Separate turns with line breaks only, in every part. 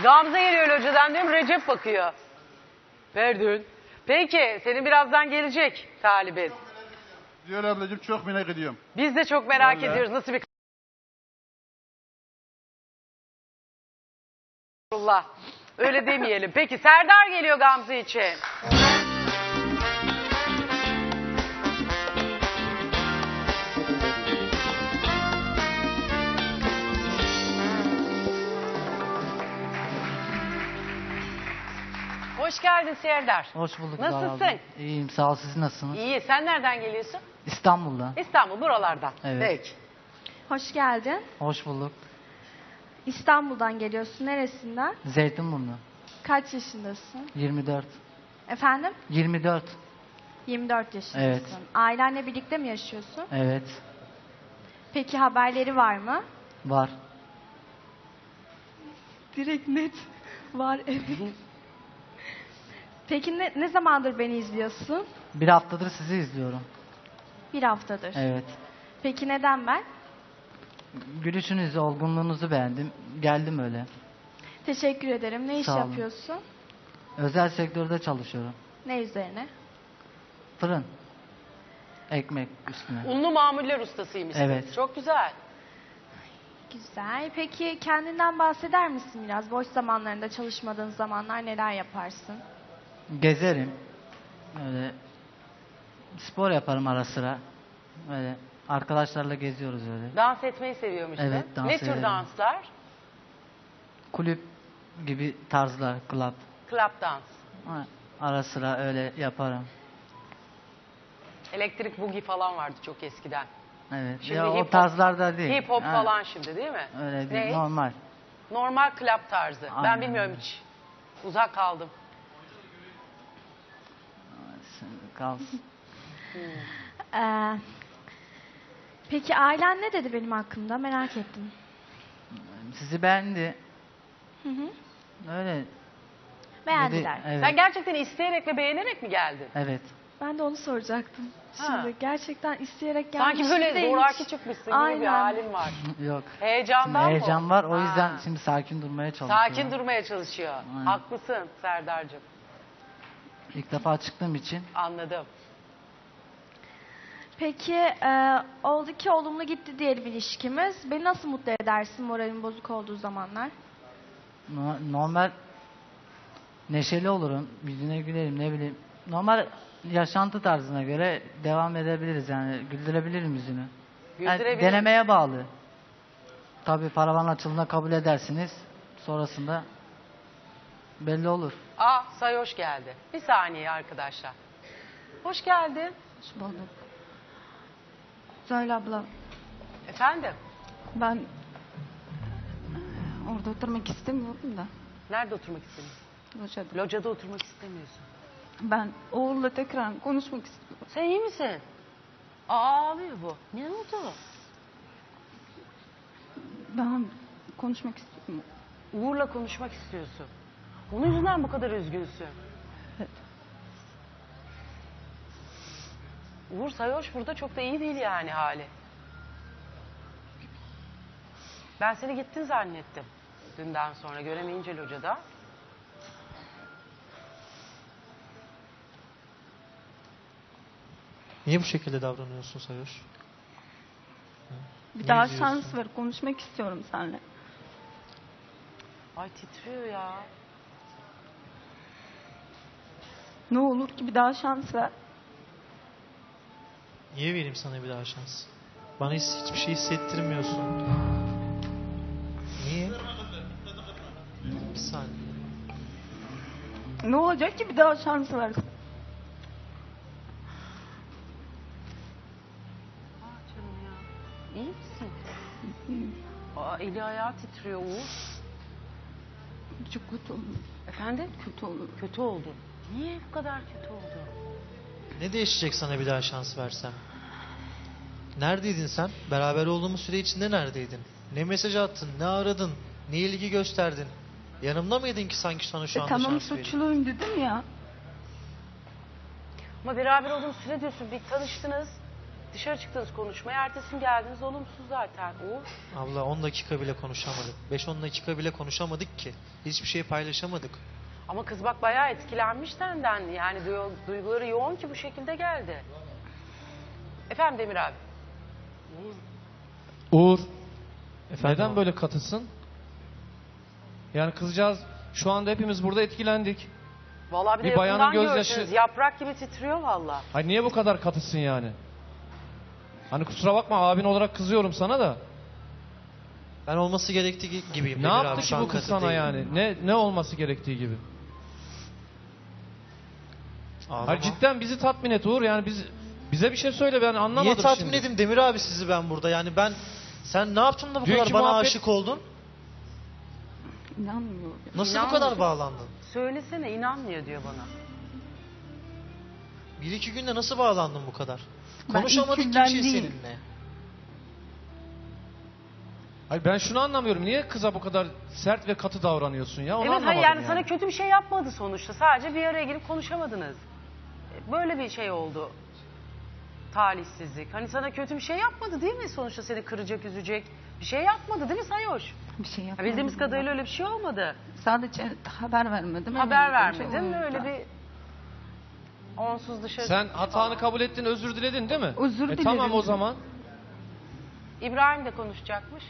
Gamze geliyor locadan diyorum, Recep bakıyor. Verdün. Peki, senin birazdan gelecek talibin.
Diyor ablacığım, çok merak ediyorum.
Biz de çok merak
Vallahi.
ediyoruz. Nasıl bir Allah. Öyle demeyelim. Peki, Serdar geliyor Gamze için. Hoş geldin Serdar.
Hoş bulduk.
Nasılsın?
Zahra abla. İyiyim, sağ ol. Siz nasılsınız?
İyi. Sen nereden geliyorsun?
İstanbul'dan.
İstanbul, buralardan.
Evet.
Peki.
Hoş geldin.
Hoş bulduk.
İstanbul'dan geliyorsun. Neresinden?
Zeytinburnu.
Kaç yaşındasın?
24.
Efendim?
24.
24 yaşındasın.
Evet.
Ailenle birlikte mi yaşıyorsun?
Evet.
Peki haberleri var mı?
Var.
Direkt net. Var, evet. Peki ne zamandır beni izliyorsun?
Bir haftadır sizi izliyorum.
Bir haftadır.
Evet.
Peki neden ben?
Gülüşünüzü, olgunluğunuzu beğendim. Geldim öyle.
Teşekkür ederim. Ne iş
Sağ olun.
yapıyorsun?
Özel sektörde çalışıyorum.
Ne üzerine?
Fırın. Ekmek üstüne.
Unlu mamuller ustasıymışsın.
Evet.
Çok güzel.
Güzel. Peki kendinden bahseder misin biraz? Boş zamanlarında, çalışmadığın zamanlar neler yaparsın?
Gezerim. Öyle spor yaparım ara sıra. Öyle arkadaşlarla geziyoruz öyle.
Dans etmeyi seviyormuşsun.
Evet, dans
Ne tür
ederim.
danslar?
Kulüp gibi tarzlar, club.
Club dans.
Ha, ara sıra öyle yaparım.
Elektrik boogie falan vardı çok eskiden.
Evet.
Şimdi
Ya
hip
o
hop-
tarzlarda değil.
Hip hop
Ha,
falan şimdi değil mi?
Öyle değil.
Ne?
Normal.
Normal club tarzı. Ben
Aynen
bilmiyorum
öyle.
hiç. Uzak kaldım.
Kalsın.
Ee, peki ailen ne dedi benim hakkımda? Merak ettim.
Sizi beğendi.
Hı hı.
Öyle.
Beğendiler.
Dedi, evet.
Sen gerçekten isteyerek ve beğenerek mi geldin?
Evet.
Ben de onu soracaktım.
Ha.
Şimdi gerçekten isteyerek
Sanki
gelmiş
böyle
değil.
zoraki çıkmışsın gibi bir
Aynen.
halin var.
Yok.
Heyecandan mı?
Heyecan var. O yüzden
Ha.
şimdi sakin durmaya çalışıyorum.
Sakin durmaya çalışıyor.
Aynen.
Haklısın Serdar'cığım.
İlk defa çıktığım için
Anladım.
Peki oldu ki olumlu gitti diyelim ilişkimiz. Beni nasıl mutlu edersin moralim bozuk olduğu zamanlar?
normal neşeli olurum. Yüzüne gülerim, ne bileyim. Normal yaşantı tarzına göre devam edebiliriz yani. Güldürebilirim yüzünü. Yani
Güldürebilir.
denemeye bağlı. Tabii paravan açıldığında kabul edersiniz. Sonrasında belli olur.
Aa, Say hoş geldi. Bir saniye arkadaşlar. Hoş geldin.
Hoş bulduk. Söyle abla,
Efendim?
ben orada oturmak istemiyorum da.
Nerede oturmak istemiyorsun?
Lojada.
Locada oturmak istemiyorsun.
Ben oğulla tekrar konuşmak istiyorum.
Sen iyi misin? Aa, ağlıyor bu. Ne oldu?
Ben konuşmak istiyorum.
Uğur'la konuşmak istiyorsun. Onun yüzünden bu kadar üzgünsün.
Evet.
Uğur Sayoş burada çok da iyi değil yani hali. Ben seni gittin zannettim. Dünden sonra göremeyince locada.
Niye bu şekilde davranıyorsun Sayoş?
Bir
Ne
daha
izliyorsun?
şans ver, konuşmak istiyorum seninle.
Ay titriyor ya.
Ne olur ki bir daha şans ver.
Niye vereyim sana bir daha şans? Bana hiçbir şey hissettirmiyorsun. Niye? Bir saniye.
Ne olacak ki bir daha şans ver?
Canım ya. İyi misin? Aa, eli ayağı titriyor Uğur.
Çok kötü olur.
Efendim?
Kötü olur.
Kötü oldu. Niye bu kadar kötü oldu?
Ne değişecek sana bir daha şans versem? Neredeydin sen? Beraber olduğumuz süre içinde neredeydin? Ne mesaj attın? Ne aradın? Ne ilgi gösterdin? Yanımda mıydın ki sanki sana şu anda
Tamam
şans vereyim?
suçluyum dedim ya.
Ama beraber olduğunuz süre diyorsun. Bir tanıştınız. Dışarı çıktınız konuşmaya. Ertesi gün geldiniz olumsuz zaten. Uğur.
Abla 10 dakika bile konuşamadık. 5-10 dakika bile konuşamadık ki. Hiçbir şey paylaşamadık.
Ama kız bak bayağı etkilenmiş senden. Yani duyguları yoğun ki bu şekilde geldi. Efendim Demir abi.
Uğur,
Efendim
neden
abi?
böyle katısın? Yani kızcağız, şu anda hepimiz burada etkilendik.
Vallahi bir de
Bir bayanın
yakından
gözyaşı-
görseniz yaprak gibi titriyor vallahi.
Ay niye bu kadar katısın yani? Hani kusura bakma, abin olarak kızıyorum sana da.
Ben olması gerektiği gibiyim.
Ne
Demir
yaptı
abi,
ki
şu an
bu kız
katı
sana
değilim.
yani? Ne olması gerektiği gibi?
Ağlama.
Hayır, cidden bizi tatmin et Uğur, yani bize bir şey söyle, ben anlamadım
Niye tatmin
şimdi.
edeyim Demir abi sizi ben burada? Yani sen ne yaptın da bu
Dünkü
kadar bana
muhabbet-
aşık oldun?
İnanmıyorum.
Nasıl bu
İnanmıyorum.
kadar bağlandın?
Söylesene inanmıyor diyor bana.
1-2 günde nasıl bağlandın bu kadar?
Ben
Konuşamadık
ilk
ki bir
günden
şey
değil.
seninle.
Hayır, ben şunu anlamıyorum, niye kıza bu kadar sert ve katı davranıyorsun ya? Onu
Evet hayır
anlamadım
yani sana kötü bir şey yapmadı sonuçta. Sadece bir araya gelip konuşamadınız. Böyle bir şey oldu. Talihsizlik. Hani sana kötü bir şey yapmadı değil mi? Sonuçta seni kıracak, üzecek. Bir şey yapmadı değil mi Sayoş?
Bir şey
Ya
yapmadım.
bildiğimiz kadarıyla öyle bir şey olmadı.
Sadece haber vermedim.
Haber
öyle bir şey
vermedin.
oldu.
Öyle bir onsuz dışarı
Sen
çıkmış
hatanı
falan.
kabul ettin, özür diledin değil mi?
Özür dilerim.
Tamam o zaman.
İbrahim de konuşacakmış.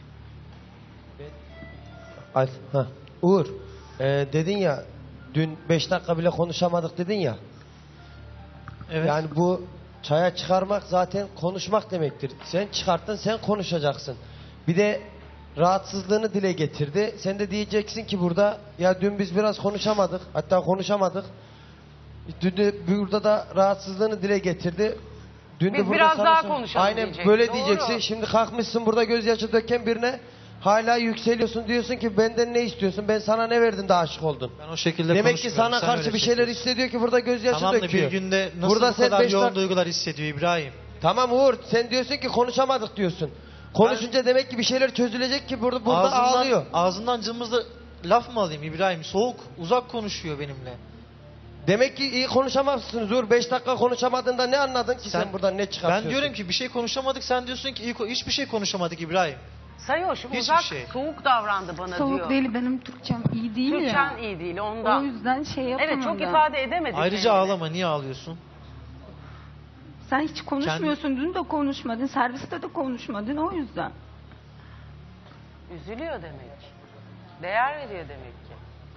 Uğur, dedin ya dün 5 dakika bile konuşamadık dedin ya.
Evet.
Yani bu çaya çıkarmak zaten konuşmak demektir. Sen çıkarttın, sen konuşacaksın. Bir de rahatsızlığını dile getirdi. Sen de diyeceksin ki burada ya dün biz biraz konuşamadık. Hatta konuşamadık. Dün de burada da rahatsızlığını dile getirdi. Dün
Biz
de burada
biraz
sana
daha
sor-
konuşalım
Aynen
diyecek.
böyle
Doğru.
diyeceksin. Şimdi kalkmışsın burada gözyaşı döken birine hala yükseliyorsun, diyorsun ki benden ne istiyorsun? Ben sana ne verdim de aşık oldun?
Ben o şekilde
Demek ki
konuşmuyorum.
sana
Sen
karşı
öyle
bir şeyler
çekiyorsun.
hissediyor ki burada gözyaşı
Tamam da
döküyor.
bir günde nasıl
Burada
bu
sen
kadar
beş
yoğun
dak-
duygular hissediyor İbrahim?
Tamam Uğur, sen diyorsun ki konuşamadık diyorsun. Konuşunca demek ki bir şeyler çözülecek ki burada ağlıyor.
Ağzından cımbızla laf mı alayım İbrahim? Soğuk, uzak konuşuyor benimle.
Demek ki iyi konuşamazsınız Uğur. 5 dakika konuşamadığında ne anladın ki sen buradan ne çıkartıyorsun?
Ben diyorum ki bir şey konuşamadık, sen diyorsun ki hiçbir şey konuşamadık İbrahim.
Sayoş
Hiçbir
uzak
şey.
soğuk davrandı bana
Soğuk
diyor.
değil, benim Türkçem iyi değil
Türkçen
ya.
iyi değil
O
ondan.
yüzden şey yapamadım.
Evet çok ifade edemedi
Ayrıca
kendini.
ağlama, niye ağlıyorsun?
Sen hiç konuşmuyorsun. Dün de konuşmadın. Serviste de konuşmadın. O yüzden.
Üzülüyor demek. Değer veriyor demek ki.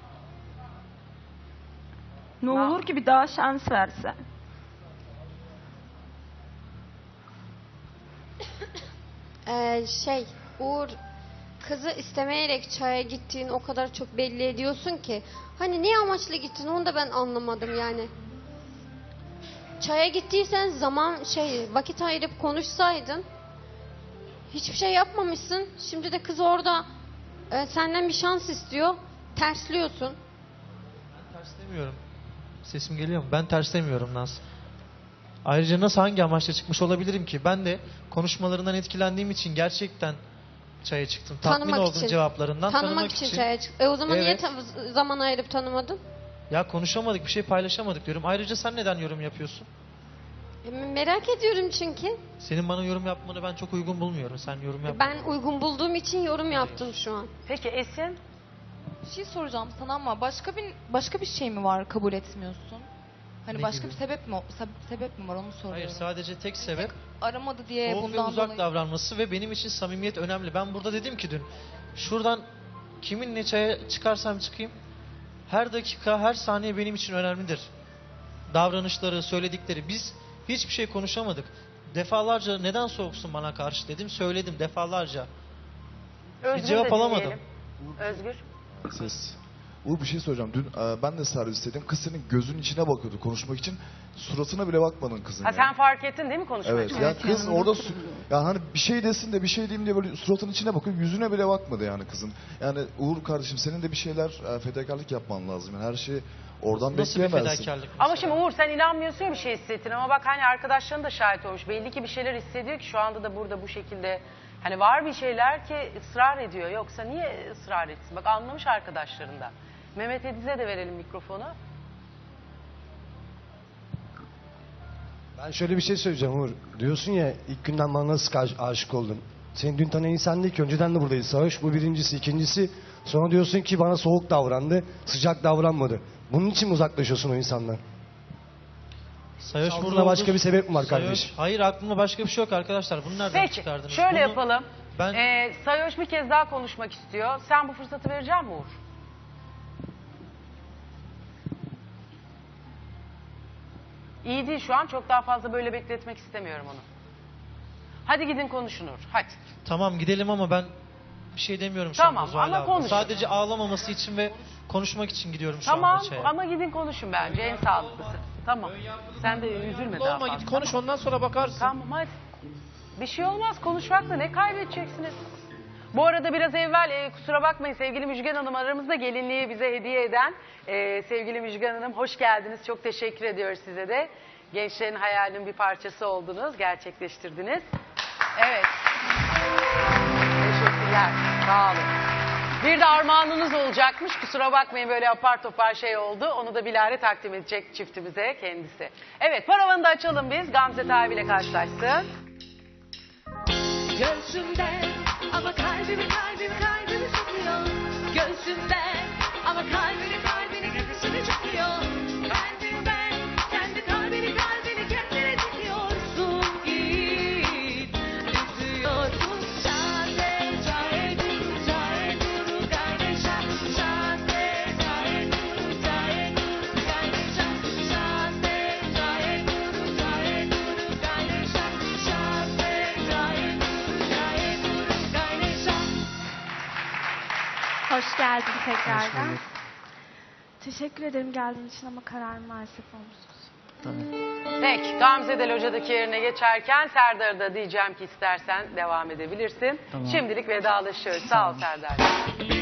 Ne
Na-
olur ki bir daha şans versen.
Uğur, kızı istemeyerek çaya gittiğini o kadar çok belli ediyorsun ki. Hani ne amaçla gittin onu da ben anlamadım yani. Çaya gittiysen vakit ayırıp konuşsaydın. Hiçbir şey yapmamışsın. Şimdi de kız orada senden bir şans istiyor. Tersliyorsun.
Terslemiyorum. Sesim geliyor mu? Ben terslemiyorum Naz. Ayrıca nasıl, hangi amaçla çıkmış olabilirim ki? Ben de konuşmalarından etkilendiğim için gerçekten çaya çıktım. Tatmin
Tanımak
oldum
için.
cevaplarından.
Tanımak için çaya çık. O zaman
Evet.
niye zaman ayırıp tanımadın?
Ya konuşamadık, bir şey paylaşamadık diyorum. Ayrıca sen neden yorum yapıyorsun?
Merak ediyorum çünkü.
Senin bana yorum yapmanı ben çok uygun bulmuyorum. Sen yorum yap.
Ben uygun bulduğum için yorum yaptım şu an.
Peki Esin?
Bir şey soracağım sana ama başka bir şey mi var kabul etmiyorsun? Hani
Ne
başka
gibi?
bir sebep mi var onu soruyorum.
Hayır, sadece tek sebep
Aramadı diye
soğuk ve
bundan
uzak
dolayı.
davranması ve benim için samimiyet önemli. Ben burada dedim ki dün, şuradan kiminle çaya çıkarsam çıkayım, her dakika, her saniye benim için önemlidir. Davranışları, söyledikleri. Biz hiçbir şey konuşamadık. Defalarca neden soğuksun bana karşı dedim, söyledim defalarca.
Özgür
cevap
de
alamadım.
dinleyelim. Özgür.
Ses. Uğur, bir şey soracağım. Dün ben de servisteydim. Kız senin gözünün içine bakıyordu konuşmak için. Suratına bile bakmadın kızın.
Ha
ya.
sen fark ettin değil mi konuşmayı?
Evet. Ya kız
yanımda
orada
oturuyor.
ya hani bir şey desin de bir şey diyeyim diye böyle suratının içine bakıyor. Yüzüne bile bakmadı yani kızın. Yani Uğur kardeşim, senin de bir şeyler fedakarlık yapman lazım. Yani her şeyi oradan
Nasıl bir
bekleyemezsin.
fedakarlık
Ama
mesela?
şimdi Uğur sen inanmıyorsun ya bir şey hissettin ama bak hani arkadaşların da şahit olmuş. Belli ki bir şeyler hissediyor ki şu anda da burada bu şekilde. Hani var bir şeyler ki ısrar ediyor. Yoksa niye ısrar etsin? Bak anlamış arkadaşlarından. Mehmet Ediz'e de verelim mikrofonu.
Ben şöyle bir şey söyleyeceğim Uğur. Diyorsun ya ilk günden bana nasıl aşık oldun? Seni dün tanıyan insan değil ki. Önceden de buradayız Savaş. Bu birincisi. İkincisi sonra diyorsun ki bana soğuk davrandı. Sıcak davranmadı. Bunun için mi uzaklaşıyorsun o insandan?
Sayoş
Altında
burada
başka
olur.
bir sebep mi var
Sayoş-
kardeşim?
Hayır, aklımda başka bir şey yok arkadaşlar. Bunu nereden
Peki
çıkardınız?
şöyle
Bunu
yapalım.
Ben
Sayoş bir kez daha konuşmak istiyor. Sen bu fırsatı verecek misin Uğur? İyi değil şu an. Çok daha fazla böyle bekletmek istemiyorum onu. Hadi gidin konuşun Uğur. Hadi.
tamam gidelim ama ben bir şey demiyorum şu
Tamam,
anda Zuhal
ama
abla.
konuş.
Sadece ağlamaması için ve konuşmak için gidiyorum şu
Tamam
anda çaya.
ama gidin konuşun bence. En sağlıklısı. Tamam. Sen de üzülme daha
Olma
fazla.
git konuş ondan sonra bakarsın.
Tamam hadi. Bir şey olmaz. Konuşmakla ne kaybedeceksiniz? Bu arada biraz evvel kusura bakmayın sevgili Müjgan Hanım aramızda gelinliği bize hediye eden sevgili Müjgan Hanım hoş geldiniz. Çok teşekkür ediyoruz size de. Gençlerin hayalinin bir parçası oldunuz. Gerçekleştirdiniz. Evet. Teşekkürler. Sağ olun. Bir de armağanınız olacakmış. Kusura bakmayın böyle apar topar şey oldu. Onu da bilahare takdim edecek çiftimize kendisi. Evet paravanı da açalım biz. Gamze Tabi ile karşılaşsın.
Göğsümden ama kalbimi çekiyor. Göğsümden ama kalbimi göğsüne çekiyor. Ben kendi kalbini kendine çekiyorsun. Git üzüyorsun. Şade cahe dur kardeşa. Şade cahe dur kardeşa. Şade cahe dur kardeşa. Şade cahe
Hoş geldin tekrardan. Teşekkür ederim geldiğin için ama kararım maalesef olumsuz.
Tabii.
Peki Gamze de locadaki yerine geçerken Serdar'a da diyeceğim ki istersen devam edebilirsin.
Tamam.
Şimdilik vedalaşıyoruz. Sağ ol Serdar.